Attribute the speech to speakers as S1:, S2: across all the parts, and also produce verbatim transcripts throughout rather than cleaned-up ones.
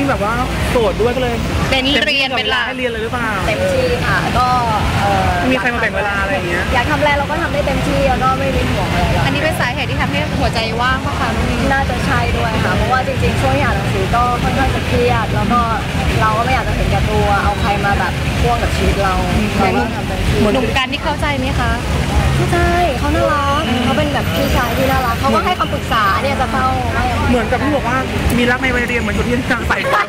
S1: แบบว่าโสดด้วยก็เลย
S2: เป็นเรียนเป็นหลัก
S1: ให้เรียนเลยหรือเปล่า
S3: เต็มที่ค่ะก็
S1: มีใครมาแบ่งเวลาอะไรอย่างเงี้ย
S3: อยากทำอะไรเราก็ทำได้เต็มที่แล้วก็ไม่มีห่วงอะไร
S2: อันนี้เป็นสาเหตุที่ทำให้หัวใจว่างเพราะค่ะ
S3: น่าจะใช่ด้วยค่ะเพราะว่าจริงๆช่วงที่อ่านหนังสือก็ค่อนข้างจะเครียดแล้วก็เราก็ไม่อยากจะเห็นแก่ตัวเอาใครมาแบบพ่วงกับชีวิตเราเราก็ทำเต็มที่
S2: หนุ่มกันที่เข้าใจไหมคะ
S3: เข้าใจเขาน่ารักเขาเป็นแบบพี่ชายที่น่ารักเขาก็ให้คำปรึกษาเนี่ยจะเฝ้า
S1: เหมือนกับที่บอกว่ามีรักในวัยเรียนเหมือนชุดที่กางใส่ไป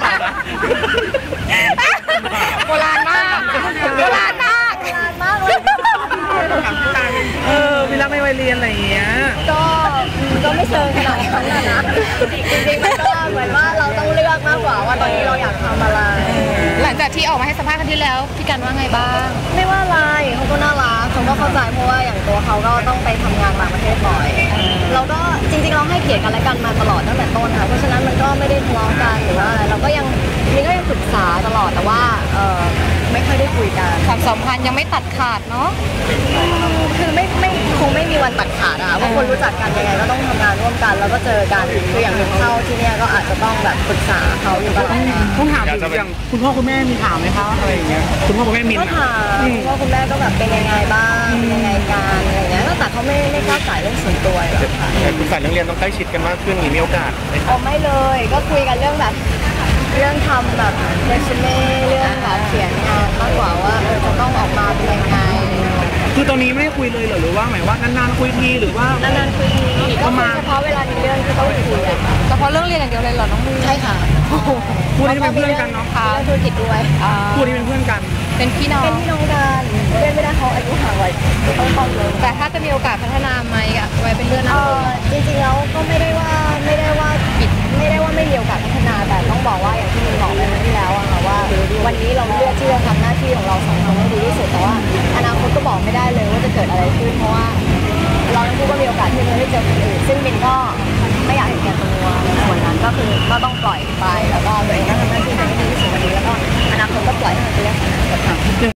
S2: โบราณมากโบราณมาก
S3: โบราณมากเลย
S1: เออมีรักในวัยเรียนอะไรอย่างเงี้ย
S3: ก็ก็ไม่เชิงขนาดนั้นนะจริงๆมันก็เหมือนว่าเราต้องเลือกมากกว่าว่าตอนนี้เราอยากทำอะไร
S2: หลังจากที่ออกมาให้สัมภาษณ์ครั้งที่แล้วพี่กันว่าไงบ้าง
S3: ไม่ว่าอะไรเขาก็น่ารักเขาก็เข้าใจเพราะว่าอย่างตัวเขาก็ต้องไปทำงานต่างประเทศบ่อยเราก็จริงๆเราให้เกียรติกันและกันมาตลอดตั้งแต่ต้นค่ะเพราะฉะนั้นมันก็ไม่ได้ทะเลาะกันหรือว่าอะไรเราก็ยังนี่ก็ยังปรึกษาตลอดแต่ว่าเออไม่ค่อยได้คุยกัน
S2: ความสัมพันธ์ยังไม่ตัดขาดเนาะ
S3: คือไม่ไม่คงไม่มีวันตัดขาดอะเพราะคนรู้จักกันยังไงก็ต้องทำงานร่วมกันแล้วก็เจอกันคืออย่างหนึ่งเข้าที่เนี่ยก็อาจจะต้องแบบปรึกษาเขาอยู่ตลอด
S1: ต้องถามถึงอย่างคุณพ่อคุณแม่มีถามไหมคะอะไรอย่างเงี้ยคุณพ่อคุณแม่มิน
S3: ก็ถามคุณพ่อคุณแม่ก็แบบเป็นยังไงบ้างเป็นยังไงกันอะไรอย่างเงี้ยแต่เขาไม่ไม่กล้าสายเรื่องส่วนตัวหรอกค่ะ
S1: แต่คุณสายเรื่องเรียนต้องใกล้ชิดกันมากขึ้นมีโอกาส
S3: อ๋อไม่เลยก็คุยกันเรื่องแบบเรื่องทำแบบเรซูเม่เรื่องแบบเขียนงานมากกว่าว่าเออจะต้องออกมาเป็นยังไง
S1: คือตอนนี้ไม่ได้คุยเลยเหรอหรือว่าหมายว่านานๆคุยทีหรือว่าน
S3: านๆคุยทีก็มาเฉพาะเวลามีเรื่องที่ต้องคุยอะ
S2: เฉพาะเรื่องเรียนอย่างเดียวเลยเหรอน้องมือ
S3: ใช่ค่ะ
S1: พูดที่เป็นเพื่อนกันเนาะ
S3: ค่ะธุรกิจด้วย
S1: พูดที่เป็นเพื่อนกัน
S2: เป็นพี่น้อง
S3: เป็นพี่น้องกันเล่นไม่ได้เขาอายุห่างไว้ต้องต้องเลย
S2: แต่ถ้าจะมีโอกาสพัฒนาไหมอะไว้เป็นเรื่องนั้น
S3: จริงๆแล้วก็ไม่ได้ว่าไม่ได้ว่าปิดไม่ได้ว่าไม่มีโอกาสพัฒนาแต่ต้องบอกว่าอย่างที่มินบอกไปเมื่อที่แล้วอะค่ะว่าวันนี้เราเลือกที่จะทำหน้าที่ของเราสองคนให้ดีที่สุดแต่ว่าอนาคตก็บอกไม่ได้เลยว่าจะเกิดอะไรขึ้นเพราะว่าเราทั้งคู่ก็มีโอกาสที่จะได้เจอคนอื่นซึ่งมินก็ไม่อยากเห็นแก่ตัวในส่วนนั้นก็คือก็ต้องปล่อยไปแล้วก็ตัวเองก็ทำหน้าที่ให้ดีที่สุดวันนี้แล้วก็อนาคตก็ปล่อยให้มันเป็นเรื่องของอนาคต